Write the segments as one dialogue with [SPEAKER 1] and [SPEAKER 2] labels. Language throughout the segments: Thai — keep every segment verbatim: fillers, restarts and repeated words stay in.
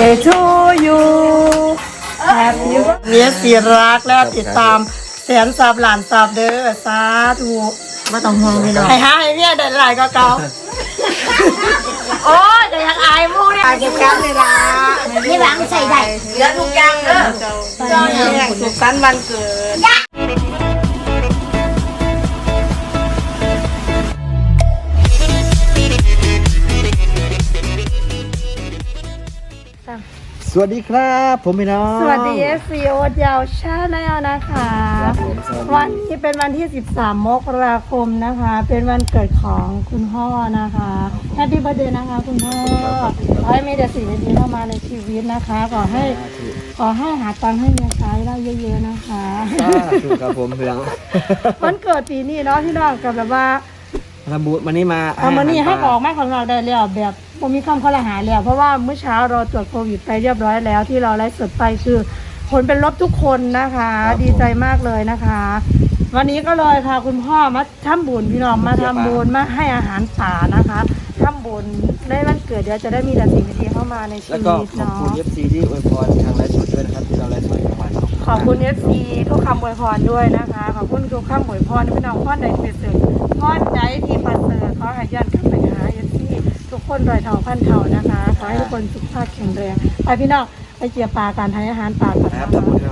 [SPEAKER 1] to you Happy เมียสีรักแล้วติดตามแสนสับหลานสับเด้อสาธุไม่ต้องห่วงพี่น้องให้หาให้เมียได้หลายก็เก่าโอ้ยแต่ยังอายมูเนี่ยอายเก็บกันเลยนะไม่หวังใส่ได้เหลือทุกอย่างเด้อตอนนี้สุขสันต์วันเกิด
[SPEAKER 2] สวัสดีครับผมพี่น้อง
[SPEAKER 1] สวัสดีเอฟซีโอ๊ตยาวชาแนลนะคะวันนี้เป็นวันที่สิบสามมกราคมนะคะเป็นวันเกิดของคุณพ่อนะคะแฮปปี้เบิร์ธเดย์นะคะคุณพ่อขอให้มีแต่สิ่งดีๆเข้ามาในชีวิตนะคะขอให้ขอให้หาตังค์ให้เมียใช้ได้เยอะๆนะคะ
[SPEAKER 2] ถูกครับผมพี่น้อง
[SPEAKER 1] วันเกิดปีนี้เนาะพี่น้องกับแบบว่า
[SPEAKER 2] ทำบุญวันนี้มา
[SPEAKER 1] เอาวันนี้ให้ออกมาของเราได้แล้วแบบผมมีคำข้อละหาแล้วเพราะว่าเมื่อเช้าเราตรวจโควิดไปเรียบร้อยแล้วที่เราไลฟ์สดไปคือผลเป็นลบทุกคนนะคะดีใจมากเลยนะคะวันนี้ก็เลยพาคุณพ่อมาทำบุญพี่น้องมาทำบุญมาให้อาหารป่านะคะทำบุญในวันเกิดเดี๋ยวจะได้มีแต่สิ่งดีๆเข้ามาในชีวิตเนาะ
[SPEAKER 2] แล้วก็ขอบคุณ เอฟ ซี ที่อวยพรทางไลฟ์สดด้วยนะครับที่เราไลฟ์สดกันวัน
[SPEAKER 1] ขอบคุณ เอฟ ซี ทุกคำอวยพรด้วยนะคะขอบคุณทุกคำอวยพรพี่น้องพ่อใดเป็นเสริมพ่อใจที่ประเสริฐขอให้ย้อนกลับไปหา เอฟ ซี ทุกคนรอยเท่าพันเท่านะคะขอให้ทุกคนสุขภาพแข็งแรงไปพี่น้องไปเกี่ยวปลาการให้อาหารปลากัน
[SPEAKER 2] ครับทำบุญครับ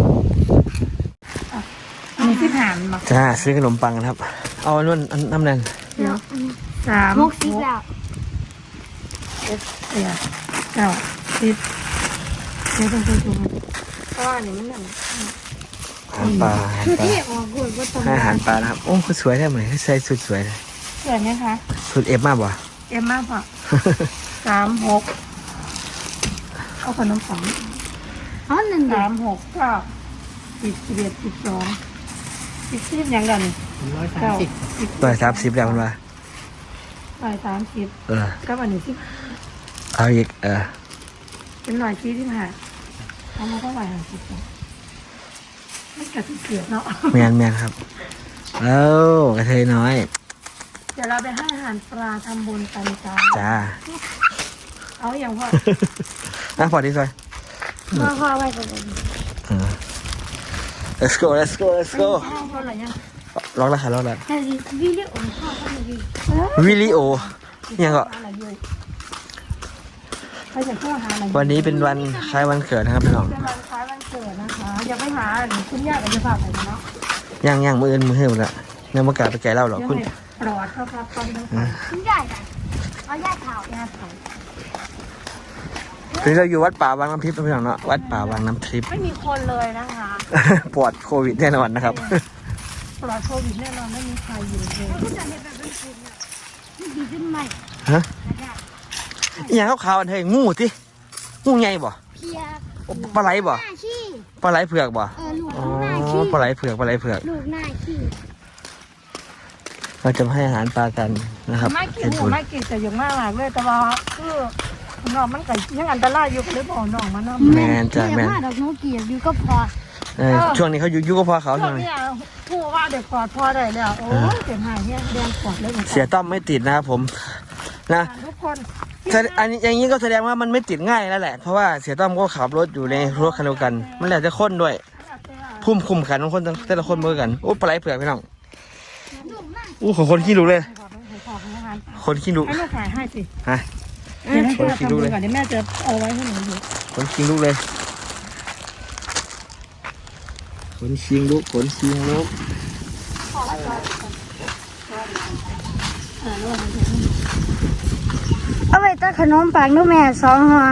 [SPEAKER 1] อันนี้ที่ถามมา
[SPEAKER 2] จ้าซื้อขนมปังครับเอาอันนู้นน้ำแดง
[SPEAKER 1] สาม
[SPEAKER 3] หกสิบแล้ว
[SPEAKER 1] เอ็ดเอ็ดเก้าสิบเดี๋ยวต้องไปดูเพราะว่านี่มันนั่น
[SPEAKER 2] อาหารปลาอาหารปลานะครับโอ้คือสวยได้ไหมใส่สุดสวยเลย
[SPEAKER 1] สวยไหมคะ
[SPEAKER 2] สุดเอฟมากป่ะ
[SPEAKER 1] เอฟมากป่ะสามหกเอาขนมปัง
[SPEAKER 3] อ๋อหนึ่ง
[SPEAKER 1] สามหกเก้าสิบสิบเอ็ดสิบสองสิบสิบยังกันเก้าสิบ
[SPEAKER 2] ร้อยสามสิบแล้วมันว่า
[SPEAKER 1] ร้อยสามสิบ
[SPEAKER 2] เออ
[SPEAKER 1] ก็วันนี้สิ
[SPEAKER 2] เอาอีกเออ
[SPEAKER 1] เป็นร้อยสี่สิบห้าเอามาเท่าไหร่ห้าสิบสองไม่กระติกเกียรเนาะ
[SPEAKER 2] แมนแมนครับเอ้ากระเทยน้อย
[SPEAKER 1] เดี๋ยวเราไปให้อาหารปลาทำบุญกันจ้า
[SPEAKER 2] จ้า
[SPEAKER 1] เอาอย่างพ่อ
[SPEAKER 2] อ่ะพอดีสวย
[SPEAKER 1] พ่อพ่อไว้ก่อน
[SPEAKER 2] let's go let's go let's go ล็อกแล้วค่ะล็อกแล้ว
[SPEAKER 3] วิลิโอพ่อก็มี
[SPEAKER 2] วิลิโอยังก็วันนี้เป็นวันคล้ายวันเกิดนะครับพี่น้อง
[SPEAKER 1] เป็นวันคล้ายวันเกิดนะคะอย่าไปหาคุณย่ากับจะฝากไปเนาะ
[SPEAKER 2] ย่างย่างมืออื่นมือเหื่อละเนี่ยมากาไปแก่เล่าหรอคุณ
[SPEAKER 1] ปลอดครับครับตอนนี้
[SPEAKER 3] คุณย่าจ้ะเอาย่าเผาย่าเผา
[SPEAKER 2] คือเราอยู่วัดป่าวังน้ำทิพย์พี่น้องเนาะวัดป่าวังน้ำทิพย์
[SPEAKER 1] ไม่มีคนเลยนะคะ
[SPEAKER 2] ปลอดโควิดแน่นอนนะครับ
[SPEAKER 1] ปลอดโควิดแน่นอนไม่มีใครอยู่เลย
[SPEAKER 3] คุณจะเห็นแบบเป็นคุณเนี่ยดีขึ้นไหม
[SPEAKER 2] ฮะอย่างเขาขาวอันเฮ้ยงูที่งูไงบ่ปลาไหลบ่ปลาไหลเผือกบ่อ๋อปลาไหลเผือกปลาไหลเผือก
[SPEAKER 3] ลูกหน้าขี้
[SPEAKER 2] เราจะให้อาหารปลากันนะครับ
[SPEAKER 1] ไม่กินไม่กินแต่ยังมากเลยแต่ว่าคือน้องมันไก่ยังอันตรายอยู่ก็เลยบอกน้องมันนะ
[SPEAKER 2] แมนจ้ะแมน
[SPEAKER 3] ดอกน้องเกียร์อยู่ก็พอ
[SPEAKER 2] ช่วงนี้เขาอยู่ยุก็พอเขา
[SPEAKER 1] ช่วงนี้ผู้ว่าเด็กปลอดพอได้แล้วโอ้ยเจ็บหายเนี่ยแดงปลอดเลย
[SPEAKER 2] เสียต้อมไม่ติดนะครับผมนะ
[SPEAKER 1] ทุกคน
[SPEAKER 2] อันนี้อย่างนี้ก็แสดงว่ามันไม่ติดง่ายแล้วแหละเพราะว่าเสียต้อมก็ขับรถอยู่ในรถคันเดียวกันมันแล้วจะค้นด้วยพุ่มคุมขันของคนแต่ละคนเหมือนกันโอ้ปลาไหลเผือกพี่น้องอู้ของคนขี้ลุกเลยคนขี้ลุก
[SPEAKER 1] ให้ลูกขายให้สิ
[SPEAKER 2] ฮะคนขี้ลุกเลย
[SPEAKER 1] เดี๋ยวแม่จะเอาไว้ให้หนูดู
[SPEAKER 2] คนขี้ลุกเลยคนขี้ลุกคนขี้ลุก
[SPEAKER 3] เอาไปตัดขนมปังด้วยแม่สองห่อ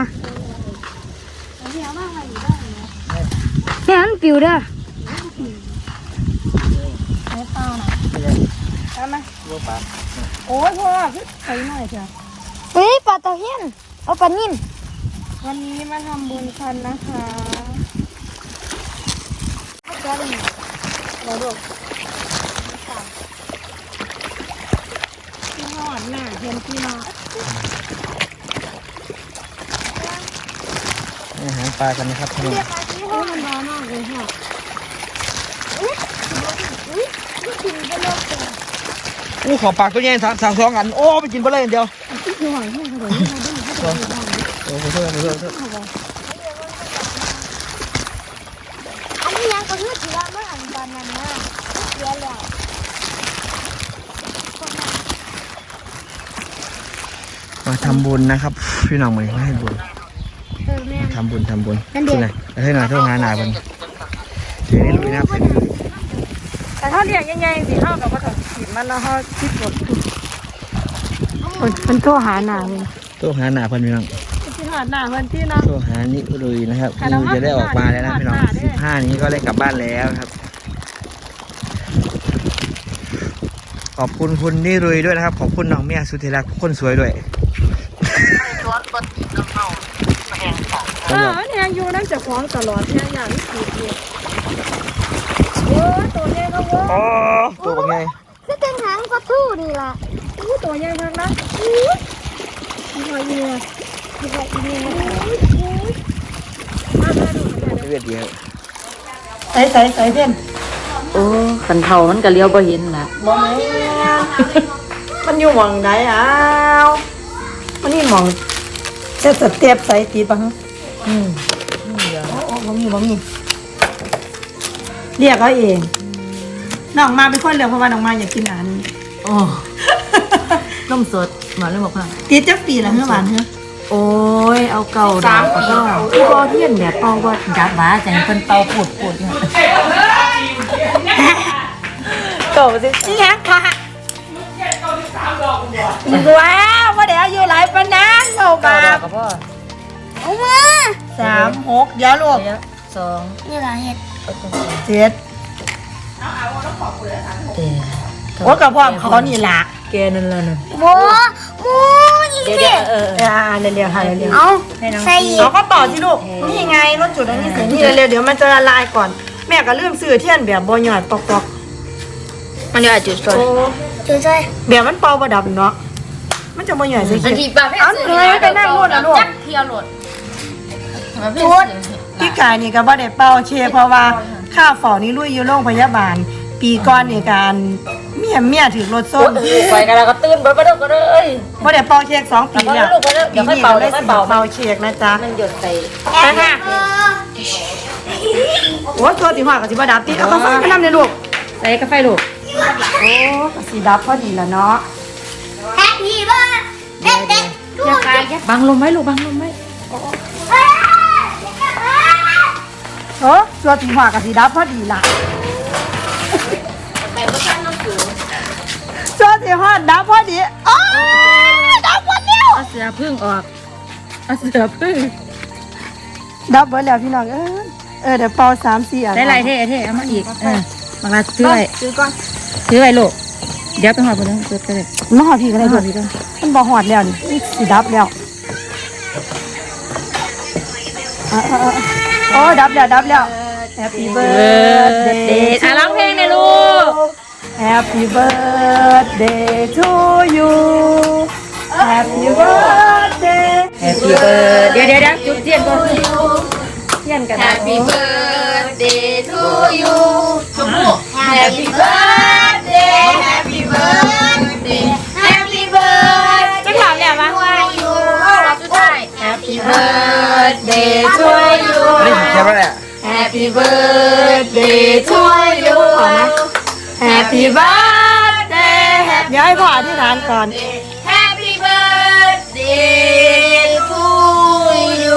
[SPEAKER 3] แม่มันปิวเด้อ
[SPEAKER 1] เอาเปล่านะได้ไหมโอ้ยพ่อใส่หน่อยจ้ะ
[SPEAKER 3] เฮ้ยปลาตะเพียนเอาปลานิ่ม
[SPEAKER 1] วันนี้มาทำบุญกันนะคะเราดูพี่หอดหน้าเห็นพี่น้อง
[SPEAKER 2] อาหารปลากันนะครับพี่น้อง
[SPEAKER 1] โอ้มันร้อนมากเลยค่ะ
[SPEAKER 2] โอ้ขอปากตัวใหญ่สามสองอันโอ้ไปกินไปเลยเดียว
[SPEAKER 1] คือหอยแห้งเลย
[SPEAKER 2] โขอโทษขอโทษขอโทษ
[SPEAKER 3] อันนี้ยังก็คือถือว่าเมื่ออันตอนนั้นนะเสียแล้ว
[SPEAKER 2] มาทำบุญนะครับพี่น้องมาให้บุญ
[SPEAKER 3] เออแม่
[SPEAKER 2] ทำบุญทำบุญ
[SPEAKER 3] นั่นเด็ก
[SPEAKER 2] ที่ไหนให้หน่อยโทษหาหนาบุญเดี๋ยวนี้ลุยนะครับ
[SPEAKER 1] แต่ถ้าเรียกยังไงสิเท่ากับว่าต้องขีดมันแล้วเขาคิดหมดเป็นโทรหาหนาเลย
[SPEAKER 2] โทษหาหนาเพิ่นพี่น้อง
[SPEAKER 1] ที่หาหนาเพื่อนที่นะ
[SPEAKER 2] โทษหานิลุยนะครับนิวจะได้ออกมาแล้วนะพี่น้องสิบห้านี้ก็ได้กลับบ้านแล้วครับขอบคุณคุณนิรุยด้วยนะครับขอบคุณน้องเมียสุธิรักคนสวยด้วย
[SPEAKER 1] เออมันแหงอยู่นั่นจะฟ้องตลอดแหงอย่างนี้ขีดเดียวโอ้ตัวใหญ่ก็ว่า
[SPEAKER 2] โอ้ตัวเป็นไง
[SPEAKER 3] คือเป็นหางปลาทูนี่ล่ะ
[SPEAKER 1] อู้ตัวใหญ่มากนะมีหอยเยื่อมีหอยเยื่อ
[SPEAKER 2] เวียดเดียว
[SPEAKER 1] ใส่ใส่ใส่เพื่อน
[SPEAKER 4] โอ้ขันเทามันก็เลี้ยวบ่เห็นละ
[SPEAKER 1] มองไหนมันอยู่หมองไหนอ้าวมันนี่หมองเจ็ดสเต็ปใส่ตีปัง
[SPEAKER 4] อืม
[SPEAKER 1] โอ้โอ้บ่มีบ่มีเรียกเขาเองน้องมาเป็นคนเลือกเพราะว่าน้องมาอยากกินอาหารนี้
[SPEAKER 4] โอ้นมสดหวานเลยบอกค่ะ
[SPEAKER 1] ติดจักปีละเมื่อวานเฮ้อ
[SPEAKER 4] โอ้ยเอาเก่าดาวก็พี่บอเทียนแบบเป่าว่าดับหวาใจเป็นเป่าปวดปวดเนี่ย
[SPEAKER 1] โตสินี่ฮะค่ะว้าวว่าเดี๋ยวอยู่หลายปานนั้นโต
[SPEAKER 4] เก่า
[SPEAKER 1] บา
[SPEAKER 4] ดาว
[SPEAKER 1] บ
[SPEAKER 4] ก็พ่อ
[SPEAKER 3] เอามา
[SPEAKER 1] สามหกเดี๋ยวลูก
[SPEAKER 4] เดี๋ยวสอง
[SPEAKER 3] นี่ล่ะเห็ด
[SPEAKER 1] เจ็ด
[SPEAKER 4] เอ๊ะ
[SPEAKER 1] โอ้กับพ่อเขานี่ล่ะ
[SPEAKER 4] แกนั่นละน่ะ
[SPEAKER 3] โมโมอีก
[SPEAKER 4] เดี๋ยว
[SPEAKER 3] สิ
[SPEAKER 4] เดี๋ยวเออ
[SPEAKER 1] อ่าเร็วๆค่ะเร็วๆ
[SPEAKER 3] เอาใส่อีก
[SPEAKER 1] เราก็ต่อสิลูกนี่ไงรถจุดอันนี้เสร็จนี่เร็วๆเดี๋ยวมันจะละลายก่อนแม่ก็ลืมซื้อเทียนแบบบ่หยอดตอก
[SPEAKER 4] มันจะจุดส
[SPEAKER 1] ๆ
[SPEAKER 4] ด
[SPEAKER 1] โอ้
[SPEAKER 3] จุดใส่
[SPEAKER 1] แบบมันเป่าประดับเนาะมันจะบ่หยอดใส่
[SPEAKER 4] อั
[SPEAKER 1] เขี
[SPEAKER 4] น
[SPEAKER 1] ย
[SPEAKER 4] ที่ป้าไม่
[SPEAKER 1] เอาเลยไม่ไปนั่งนู่นนะลูก
[SPEAKER 4] จักเที่ยวรถ
[SPEAKER 1] จุดพี่กายนี่ก็บ่ได้เป่าเชเพราะว่าค่าฝอนี่ลุยอยู่โรงพยาบาล ปีก่อนนี่การเมียเมียถือรถส้ม
[SPEAKER 4] ไปกันแล้วก็ตื่นไปไปเด้อก็เด้อเอ้ย
[SPEAKER 1] บ่ได้เป่าเค้กสองปีแล้ว
[SPEAKER 4] เอาไปลูกไปลูกเดี๋ยวค่อยเป่าเดี๋ยวค่อยเป่า
[SPEAKER 1] เป่าเค้กนะจ๊ะ
[SPEAKER 4] มันหยดใส่
[SPEAKER 1] ไปค่ะโอ้ตัวสีหัวกับสีบดับติเอาข้าวไฟไปนำเลยลูก
[SPEAKER 4] ใส่กาแฟลูก
[SPEAKER 1] โอ้กับสีดับพอดีแล้วเนาะ
[SPEAKER 3] แฮปปี้เบิร์ดเด็กเด็กดู
[SPEAKER 4] บังลมไว้ลูกบังลมไว้
[SPEAKER 1] โอ้ตัวสีหัวกับสีดับพอดีละตัวสีหัวดับพอดีโอ้ดับหมดแล้ว
[SPEAKER 4] เอาเสือพึ่งออกเอาเสือพึ่ง
[SPEAKER 1] ดับหมดแล้วพี่น้องเออเออเดี๋ยวเป่าสามสี่อัน
[SPEAKER 4] ได้ไรเท่เท่เอามาอีกเออบังลาซื้อไว้
[SPEAKER 1] ซื้อก่อน
[SPEAKER 4] ซื้อไว้ลูกเดี๋ยวไปหอดไปเลยซื้อไปเลย
[SPEAKER 1] มาหอดพี่ก็
[SPEAKER 4] ไป
[SPEAKER 1] ได้
[SPEAKER 4] ห
[SPEAKER 1] ลู
[SPEAKER 4] อก ดพี่ด้วย
[SPEAKER 1] มันบ่หอดแล้วนี่นี่สีดับแล้วอ่ะอ่ะอ่ะโอ้ดับแล้วดับแล้ว Happy
[SPEAKER 4] เด
[SPEAKER 1] birthday
[SPEAKER 4] อ่ะร้องเพลงเลยลูก
[SPEAKER 1] Happy birthday to you Happy birthday
[SPEAKER 4] Happy birthday เดี๋ยวเดี๋ยวเดี๋ยวจุดเทียนก่อนเทียนกัน Happy birthday to you จุ๊บ Happy birthday Happy birthday Happy birthday จะถามเนี่ยมั้ยเราสุดท้าย Happy birthday to you
[SPEAKER 2] นี่แค่ว่าแหละ
[SPEAKER 4] Happy birthday to you
[SPEAKER 1] Happy birthday เดี๋ยวให้พ่ออธิษฐานก่อน
[SPEAKER 4] Happy birthday to you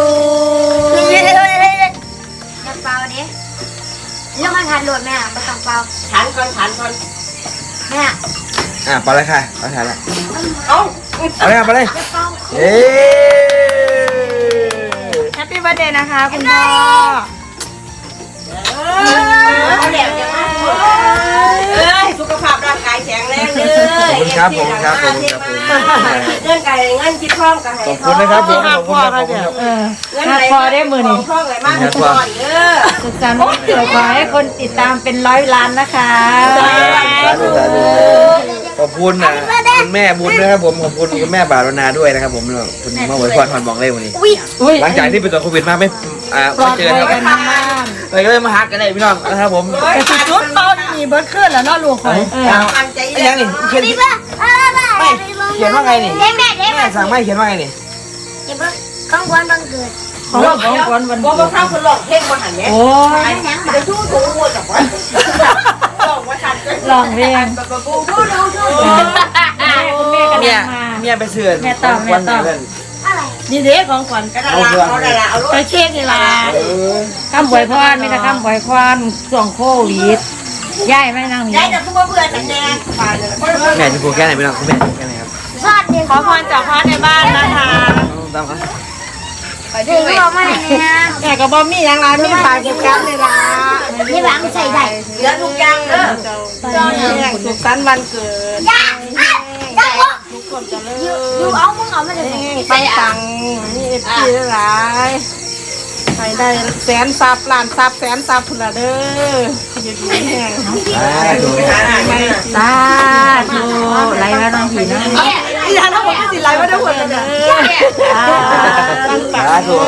[SPEAKER 3] น้ำเปล่าดิแล้วมาทานโหลดแม่มาสั่งเปล่า
[SPEAKER 4] ฉันก่อนฉันก่อน
[SPEAKER 3] แม่
[SPEAKER 2] อ่ะไปเลยค่ะไปถ่ายละ
[SPEAKER 1] เอ้า
[SPEAKER 2] เอาเลยไปเลยเย้
[SPEAKER 1] Happy birthday นะคะคุณพ่อ
[SPEAKER 4] เอาเดี๋ยวเดี๋ยวมา
[SPEAKER 5] เอ้ยสุขภาพร่างกายแข็งแรงเล
[SPEAKER 2] ขอบ
[SPEAKER 5] ย
[SPEAKER 2] คุณครับผมครับผมครับผม
[SPEAKER 5] เงินไก่เงินคิดพร้อมกัน
[SPEAKER 2] ขอบคุณนะครับผมขอบคุณครับขอบคุณครับ
[SPEAKER 1] เออ
[SPEAKER 5] เงินไหลพอได้มือนี่พร้อมไหลมากทุกคนเด้อ
[SPEAKER 4] สุขสันต์วันเกิดขอให้คนติดตามเป็นร้อยล้านนะคะ
[SPEAKER 2] สาธุสาธุขอบคุณนะคุณแม่บุญนะครับผมขอบคุณคุณแม่บาลนาด้วยนะครับผมคุณมาไว้พรพรบอกเลยวันนี้
[SPEAKER 4] อุ้ย
[SPEAKER 2] หลังจากที่เป็นตัวโควิดมาไม่อ่าไม่เจอครับเลยก็เลยมาฮักกันเลยพี่น้องนะครับผม
[SPEAKER 1] แต่สุดชุดเป่านี่มีเบิร์ดขึ้นแล้วเนาะลูกข่อย
[SPEAKER 5] มันใจ
[SPEAKER 2] ไอ้ยังนี่เขียนไม่เขียนว่าไงนี่
[SPEAKER 3] เด็กแม่เด็ก
[SPEAKER 2] แม่สั่งไม่เขียนว่าไงนี่
[SPEAKER 3] เด็กเบิ้งของขวัญวันเกิด
[SPEAKER 1] ของ
[SPEAKER 4] ของขวัญวัน
[SPEAKER 5] บอกว่าข้าวคนหลอกเท่งมาหันเนี่ย
[SPEAKER 4] โอ้ย
[SPEAKER 5] จะทู่ถูหัวกับว่าหลอกว่าทัน
[SPEAKER 4] ลองเพลง
[SPEAKER 5] บูบูดูดู
[SPEAKER 4] คุณแม่กำ
[SPEAKER 2] เมี
[SPEAKER 4] ลั
[SPEAKER 2] ย
[SPEAKER 4] งมา
[SPEAKER 2] เมียไปเสือน
[SPEAKER 4] แม่ตอบแม่ตอบ
[SPEAKER 3] อะไร
[SPEAKER 1] นี่เด็กของขวัญ
[SPEAKER 5] กระดาษเอากระดาษเอาลูก
[SPEAKER 1] ไปเค้กนี่ล่ะ
[SPEAKER 4] คำบวยพรไม่แต่คำบวยพรช่วงโควิดย่ายไม่นั่งนี่
[SPEAKER 5] ยายจะพูดว่าเบื่อแต่แน่ปานเลย
[SPEAKER 2] แม่จะพูดแค่ไหนพี่น้องคุณแม่แค่ไหนครับ
[SPEAKER 3] สวัสดี
[SPEAKER 1] ขอพรจากพระในบ้านนะคะ
[SPEAKER 2] ตามครับ
[SPEAKER 3] เด็กบอกมาเนี่ย
[SPEAKER 1] แต่กับบอมมี่ยังไรมีฝ่ายกิจกรรมเลยล่ะ
[SPEAKER 3] นี่หวังใส่ได้
[SPEAKER 5] เหลือทุกอย่างเด้อ
[SPEAKER 1] ตอนนี้สุขสันต์วันเกิด
[SPEAKER 3] ย่าย่า
[SPEAKER 1] ทุกคนจะเลิ
[SPEAKER 3] อยู่เอามึงเอามาเลย
[SPEAKER 1] ไปตังนี่เอฟซีหลายไปได้แสนซับล้านซับแสนซับพุ่นละเด้ออยู่ดีแห้ง
[SPEAKER 2] ถูก
[SPEAKER 4] สาธุไหลมาน้องผีน้อง
[SPEAKER 1] อีหยังทั้งหมดที่สิไลว่าได้หมดเลยเด้อ
[SPEAKER 2] สาธุ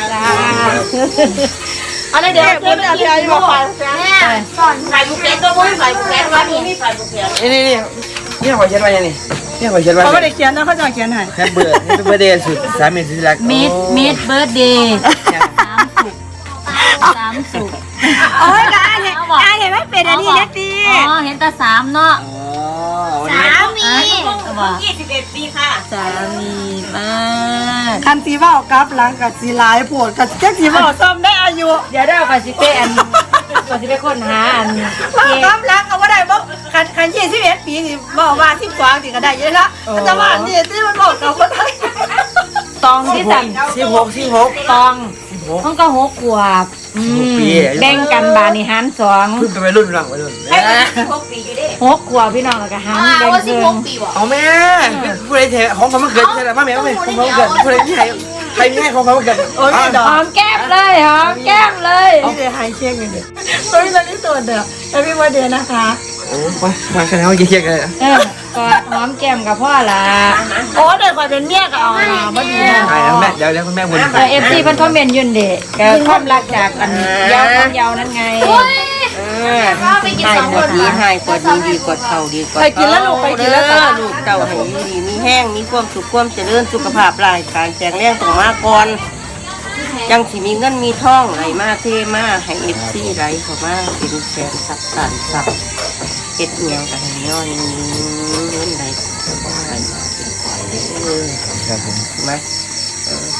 [SPEAKER 1] อันนี้เดี๋ยวเดี๋ยวเดี๋ยวจะบอกไป
[SPEAKER 3] แม่สอน
[SPEAKER 5] ใส่บุกแกนตัวมุ้ยใส่บุกแกนวันนี้มีใส่บุกแกน
[SPEAKER 2] นี่นี่นี่นี่ขอเช็ดไว้ยังนี่นี่ขอเช็ดไว้
[SPEAKER 1] เขาไม่ได้เขียนนะเขาจะเขียนให้
[SPEAKER 2] แค่เบื่อนี่เป็นเบอร์เดย์สุดสามีสุดรัก
[SPEAKER 4] มิดมิดเบิร์ดเดย์สามสุกสามสุก
[SPEAKER 1] โอ้ยกายเห็นกายเห็นไม่เป็นอันนี้เล็กดี
[SPEAKER 4] อ๋อเห็นแต่สามเนาะ
[SPEAKER 2] อ๋อ
[SPEAKER 3] สามี
[SPEAKER 5] ยี่สิบเอ็ดปีค่ะ
[SPEAKER 4] สามีมาก
[SPEAKER 1] คันสีว่ากับหลังกับสีลายปวดกับแจ็คสีว่าซ้ำได้อายุ
[SPEAKER 4] เดี๋ยวได้เอาไปสิเปอันก่อนสิไปค้นหาอัน
[SPEAKER 1] ว่ากับหลังเอาว่าได้บ่คันคันยี่สิบเอ็ดปีนี่บอกว่าสิบสองสิก็ได้เยอะละแต่ว่านี่ที่มันบอกกับว่าได้
[SPEAKER 4] ตองที่สั่น
[SPEAKER 2] สิบหกสิบหก
[SPEAKER 4] ตอง
[SPEAKER 2] สิบหก
[SPEAKER 4] ต้องก็หกขวบอืม
[SPEAKER 2] ปี
[SPEAKER 4] แบ่งกันบานิหารสอง
[SPEAKER 2] เพิ่งเป็นวัยรุ่นหลังวัยรุ่น
[SPEAKER 5] ให้สิบหกปีอยู่ดิ
[SPEAKER 4] หกขวบพี่น้องแล้วก็หารแบ่ง
[SPEAKER 3] ว่าสิบ
[SPEAKER 4] เพิ่
[SPEAKER 3] ห
[SPEAKER 4] ง
[SPEAKER 3] กปีวะ
[SPEAKER 2] เอาแม่ผู้ใดเทของเขามาเกิดใช่ไหมมาแม่มาแม่ของเขามาเกิดผู้ใดที่ให้ใครมีให้ของเขามาเกิด
[SPEAKER 1] โอ้ยดอ
[SPEAKER 4] หอก มแก้มเลยหอมแก้มเลย
[SPEAKER 1] นี่เดี๋ยวหายเค้กเงินเด็กตัวนี้ตัวนี้ตัวเดียวแฮปปี้วันเดย์นะคะ
[SPEAKER 2] โอ้มามาแค่นั้นเยี่ยมเลย
[SPEAKER 4] เออกอดหอมแก้มกับพ่อละ
[SPEAKER 1] โอ้เด็กคอยเป็นเมียก็เอามาดีนะ
[SPEAKER 2] ใช่แล้วแม่เดี๋ยวเดี๋ยวคุณแม่บน
[SPEAKER 4] เออเอฟซีเพิ่นคอมเมนต์อยืนเด็กความรักจากอันยาวความยาวนั่นไง
[SPEAKER 3] ก็ไปกินสองคน
[SPEAKER 5] ดีให้กว่าดีดีกว่าเข่าดีกว่า
[SPEAKER 1] ไปกินแล้วลูกไปกินแล้ว
[SPEAKER 5] ลูกเต่าให้อยู่ดีมีแห้งมีความสุขความเจริญสุขภาพร่างกายแข็งแรงต้องมาก่อนยังสิมีเงินมีทองไหลมาเทมาให้เอฟซีไหลเข้ามาเป็นแสนสับตันสับเอ็ดเงียงกันให้ย้อนเงินไหลเข้ามาไหลมาเป็นขอยเออ
[SPEAKER 2] ครับผม
[SPEAKER 5] ถูกไหมเออ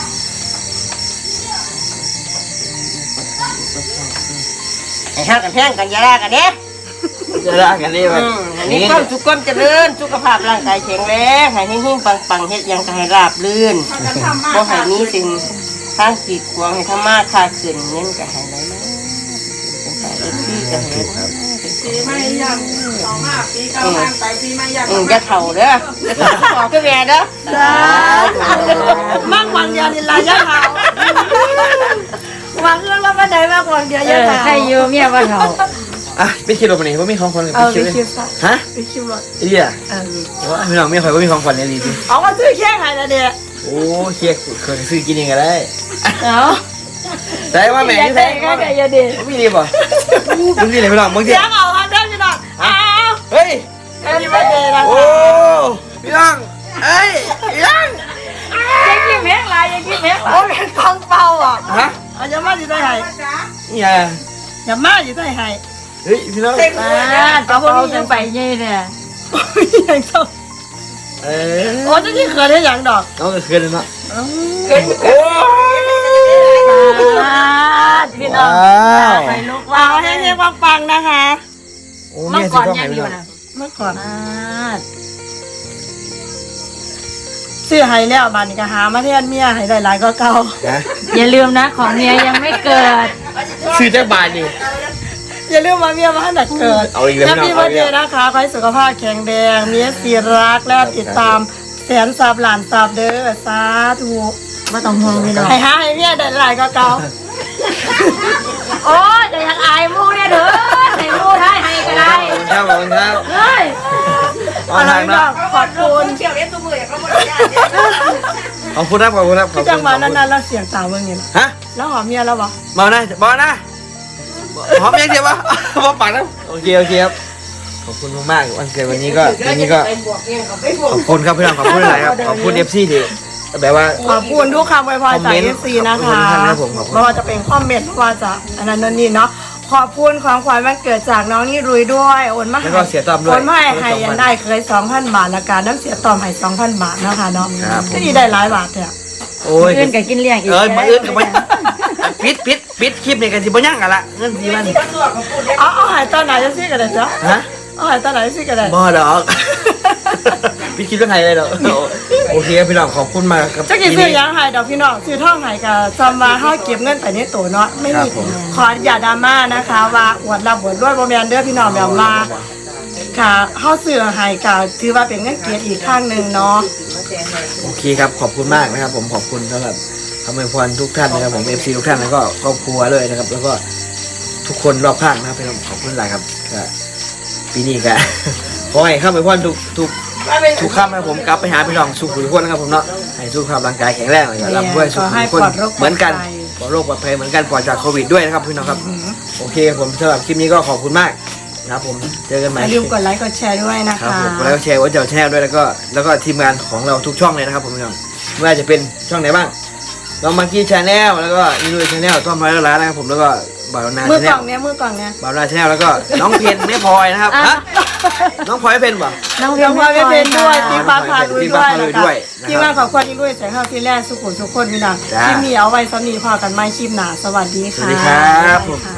[SPEAKER 5] ไอ้ห้างกันแพงกันอยาลากันเด้
[SPEAKER 2] จะรักกันได้ไหม
[SPEAKER 5] อืมอันนี้ความสุขความเจริญสุขภาพร่างกายแข็งแรงให้หิ้งๆปังๆเฮ็ดหยังก็ให้ราบรื่นบ่ให้มีสิ่งทางกีดขวางให้ธรรมะค่าขึ้นเงินก็ให้ไหลมาเป็นไปเอฟซีก็ให้ปีไม่ยังสองห้าปีเก้าห้าไปปีไม่ยังอืมจะเฒ่าเด้อจะเฒ่าบอกกับแม่เด้อ
[SPEAKER 1] จ้ามั่งวังเดียวนี่ลายยะขาววางเรื่องแล้วมาได้มากวังเดียว
[SPEAKER 4] เอ
[SPEAKER 1] ยะ
[SPEAKER 4] อ
[SPEAKER 1] ขาว
[SPEAKER 4] ใครอยู่เมียบ่เฒ่า
[SPEAKER 2] อ่ะไปคิดลงไปนี่ว่ามีของขวัญกับ
[SPEAKER 1] เอา
[SPEAKER 2] พี่
[SPEAKER 1] ไป
[SPEAKER 2] คิว
[SPEAKER 1] คิวซะ
[SPEAKER 2] ฮะ
[SPEAKER 1] ไปคิวรถ
[SPEAKER 2] ไอ้เหี้ย
[SPEAKER 1] เออ
[SPEAKER 2] ว่าพี่น้องไม่ค่อยว่ามีของขวัญเนี่ยดีดิ
[SPEAKER 1] เอามาซื้อแค่ไหนละเด็ก
[SPEAKER 2] โอ้เคียเคยซื้อกินเองก็ได้
[SPEAKER 1] เอา
[SPEAKER 2] แต่ว่าแม่
[SPEAKER 4] อยาก
[SPEAKER 2] ที่
[SPEAKER 4] ได้
[SPEAKER 2] แท้
[SPEAKER 4] ก็ได้อยาเด็ก
[SPEAKER 2] ไม่ดีป่ะมึงดีเลยพี่น้องมึงดี
[SPEAKER 1] เสียงเอาฮันเด้พี่น้องเอา
[SPEAKER 2] เฮ้ย
[SPEAKER 1] แฮปปี้วันเดย์นะ
[SPEAKER 2] โอ้พี่น้องเอ้ยพี่น้อง
[SPEAKER 4] อยากกินแม่งหลายอยากกินแม่งหลา
[SPEAKER 1] โอ้
[SPEAKER 4] ย
[SPEAKER 1] เป็นของเปล่าอ่ะ
[SPEAKER 2] ฮะ
[SPEAKER 1] เอาอย่ามาอยู่ใต้ไห้
[SPEAKER 2] นี่ไง
[SPEAKER 1] อย่ามาอยู่ใต้ไห้
[SPEAKER 2] เฮ้ยพี่น้อง
[SPEAKER 4] อ่ากระเป๋าจังไปยี่เนี่ย
[SPEAKER 1] อย่างเศร้า
[SPEAKER 2] เออ
[SPEAKER 1] โอ้จะที่เขินได้อย่างดอก
[SPEAKER 2] น้องก็คืนเลยเนาะ
[SPEAKER 1] เอ้า
[SPEAKER 2] โอ้
[SPEAKER 4] พี่น้อง
[SPEAKER 2] ว้าว
[SPEAKER 4] ไปลูก
[SPEAKER 1] เอาให้เรียกว่าปังนะคะ
[SPEAKER 2] โอ้
[SPEAKER 4] เมื่
[SPEAKER 2] แม่
[SPEAKER 4] อ
[SPEAKER 2] สิ
[SPEAKER 4] ก่อน
[SPEAKER 2] ต้อง
[SPEAKER 4] ยั
[SPEAKER 2] ให้
[SPEAKER 4] งอ
[SPEAKER 2] พี่
[SPEAKER 4] ยู่
[SPEAKER 2] น้อง
[SPEAKER 4] นะ
[SPEAKER 1] เมื่อก่อน
[SPEAKER 4] อ่า
[SPEAKER 1] ซื้อให้แล้วบานนี้ก็หามาแทนเมียให้ได้หลายก็เก่า
[SPEAKER 2] นะ
[SPEAKER 4] อย่าลืมนะของเมียยังไม่เกิด
[SPEAKER 2] ซื้อจากบาทดิ
[SPEAKER 1] อย่าลืมมาเมียมาให้หนักเกิด
[SPEAKER 2] เอาอีกแล้ว
[SPEAKER 1] แฮปปี้
[SPEAKER 2] เอา
[SPEAKER 1] วัน
[SPEAKER 2] อีก
[SPEAKER 1] เด
[SPEAKER 2] แล้ว
[SPEAKER 1] ย์นะคะขอให้สุขภาพแข็งแรงมีสีรักและติดตามแสนสับหลานสับเด้อสาธุ
[SPEAKER 4] ไม่ต้องห่วงพี่น้อง
[SPEAKER 1] ให้หาให้เมียได้หลายก็เก่า
[SPEAKER 4] โอ้ยจะอยากอายมูเนี่ยเด้อให้มูได้ให้ก็ได้
[SPEAKER 2] ครับขอบคุณครับ
[SPEAKER 4] เฮ้ย
[SPEAKER 2] เอาทาง
[SPEAKER 1] พี่น้
[SPEAKER 2] นะ
[SPEAKER 1] องขอบคุณ
[SPEAKER 5] เที่ยวเล่นตัวมืออย่างเขาบอกได้
[SPEAKER 2] ขอบคุณครับขอบคุณครับขอบ
[SPEAKER 1] ที่
[SPEAKER 2] คุณ
[SPEAKER 1] จังหวะนั้นๆเราเสียงต่างเมื่อไง
[SPEAKER 2] ฮะ
[SPEAKER 1] แล้วหอมเมียแล้ววะ
[SPEAKER 2] มานะมานะหอมยังเดียววะมาปากนะโอเคโอเคครับขอบคุณมากๆวันเกิดวันนี้ก็วันนี้ก็
[SPEAKER 5] ไปบวกเองเขาไปบวก
[SPEAKER 2] ขอบคุณครับพี่น้องขอบคุณหลายครับขอบคุณเอฟซีที่แบบว่า
[SPEAKER 1] ขอบคุณทุกคำอวยพรจาก
[SPEAKER 2] คอมเมนต์
[SPEAKER 1] เอฟซีนะคะ
[SPEAKER 2] ขอบคุณครับผมขอบคุณ
[SPEAKER 1] ไม่ว่าจะเป็นคอมเมนต์ไม่ว่าจะอันนั้นนั่นนี่เนาะขอบคุณของขวัญวันเกิดจากน้องนี่รุยด้วยโอนมา
[SPEAKER 2] แล้วก็เสียต้อมด้วย
[SPEAKER 1] โอนมาให้ให้ยันได้เคยสองพันบาทละกันน้ำเสียต้อมให้สองพันบาทนะคะเนาะ
[SPEAKER 2] ครับผม
[SPEAKER 1] ก็ดีได้หลายบาทเถอะ
[SPEAKER 2] โอ้ย
[SPEAKER 4] เพื่อนกับกินเลี้ยงอีก
[SPEAKER 2] เอ้ยมาอื่นกับมาปิดปิดปิดคลิปนี่กันสิบ่ยั่งกันละเงินสิมัน
[SPEAKER 1] เอาเอาใหายตอนไหนจะซื้อกันเลยจ๊ะ
[SPEAKER 2] ฮะ
[SPEAKER 1] เอาใหายตอนไหนจะซื้อกันเลย
[SPEAKER 2] บ่ดอกปิดคลิปเรื่องไงเลยดอกโอเคครับพี่น้องขอบคุณมากครับ
[SPEAKER 1] จะกี่ซื้อยังหายดอกพี่น้องซื้อท่องหายกับจำมาห้าเก็บเงินไปในตัวเนาะไม่มี
[SPEAKER 2] ครับผม
[SPEAKER 1] ขออย่าดราม่านะคะ ว่าอวดรับบวดด้วยโมเมนเด้อพี่น้องแบบว่าค่ะเข้าเสือหายกับถือว่าเป็นเงินเกียรติอีกข้างหนึ่งเนาะ
[SPEAKER 2] โอเคครับขอบคุณมากนะครับ ผมขอบคุณสำหรับคำอวยพรทุกท่านนะครับผมเอฟซีทุกท่านแล้วก็ครอบครัวเลยนะครับ แล้วก็ทุกคนรอบข้างนะครับพี่น้องขอบคุณหลายครับก็ปีนี้ก็ ขอให้คำอวยพรทุกทุกทุกคำนะครับผมกลับไปหาพี่น้องสุขทุกคนนะครับผมเนาะให้สุขภาพร่างกายแข็งแรงอย่ารับด้วยสุขทุกคนเหมือนกันปลอดโรคปลอดภัยเหมือนกันปลอดจากโควิดด้วยนะครับพี่น้องครับโอเคผมสำหรับคลิปนี้ก็ขอบคุณมากนะครับผมเจอกันให
[SPEAKER 1] อ
[SPEAKER 2] ม่
[SPEAKER 1] ย่าลืมกดไลค์กดแชร์ด้วยนะ
[SPEAKER 2] ครั
[SPEAKER 1] คะ
[SPEAKER 2] บผมกดไลค์กดแชร์ไว้เจ้าแชร์ด้วยแล้วก็แล้วก็ทีมงานของเราทุกช่องเลยนะครับผมพี่น้องไม่ว่าจะเป็นช่องไหนบ้างน้องมังกี้ชาแนลแล้วก็นิลุยชาแนลต้อมร้อยล้านนะครับผมแล้วก็บ่าวนา
[SPEAKER 1] มือ
[SPEAKER 2] ชาก แน
[SPEAKER 1] ล่
[SPEAKER 2] ล
[SPEAKER 1] องเนี้ยมือกล่องเนี้ย
[SPEAKER 2] บ่าวนาชาแนลแล้วก็น้องเพนไม่พลอยนะครับฮะน้องพลอยไม่เป็นป่ะ
[SPEAKER 4] น้อง
[SPEAKER 1] เรียกว่าไม่เป็นด้วย
[SPEAKER 2] อ๋อ
[SPEAKER 1] พี่ฟ้าพาลุย
[SPEAKER 2] พี่
[SPEAKER 1] ด้
[SPEAKER 2] ฟ้า
[SPEAKER 1] วย
[SPEAKER 2] พาลุ
[SPEAKER 1] นะ
[SPEAKER 2] ย
[SPEAKER 1] คะ
[SPEAKER 2] ด้วยนะครับ
[SPEAKER 1] ทีมงานของคนที่ลุยแสงข้าวที่แรกสุขุมทุกคนพี่น้อง
[SPEAKER 2] จ้า
[SPEAKER 1] ที่มีเอาไว้สำนีพอกันไม่คลิปหนาสวัสดี
[SPEAKER 2] ส
[SPEAKER 1] ค่ะ
[SPEAKER 2] วัสดีครับผม
[SPEAKER 1] ค่ะ